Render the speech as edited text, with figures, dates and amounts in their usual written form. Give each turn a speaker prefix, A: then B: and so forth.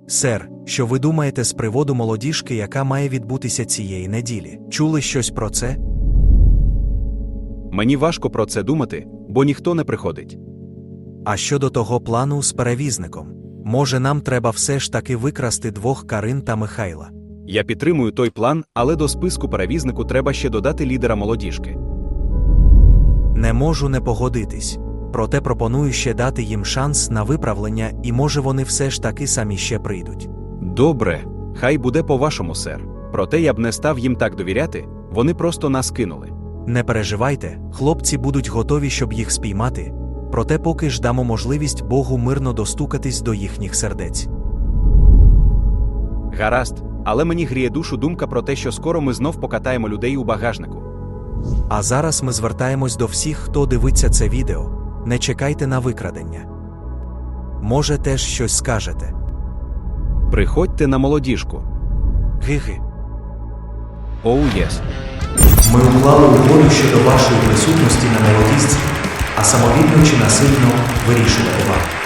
A: Сер, що ви думаєте з приводу молодіжки, яка має відбутися цієї неділі? Чули щось про це?
B: Мені важко про це думати, бо ніхто не приходить.
A: А щодо того плану з перевізником? Може, нам треба все ж таки викрасти двох Карин та Михайла?
B: Я підтримую той план, але до списку перевізнику треба ще додати лідера молодіжки.
A: Не можу не погодитись. Проте пропоную ще дати їм шанс на виправлення, і може вони все ж таки самі ще прийдуть.
B: Добре, хай буде по-вашому, сер. Проте я б не став їм так довіряти, вони просто нас кинули.
A: Не переживайте, хлопці будуть готові, щоб їх спіймати. Проте поки ж дамо можливість Богу мирно достукатись до їхніх сердець.
B: Гаразд, але мені гріє душу думка про те, що скоро ми знов покатаємо людей у багажнику.
A: А зараз ми звертаємось до всіх, хто дивиться це відео. Не чекайте на викрадення. Може, теж щось скажете.
B: Приходьте на молодіжку.
A: Ги-ги.
B: Оу, єс.
A: Ми уклали угоду щодо вашої присутності на молодіжці, а самовільно чи насильно вирішувати вам.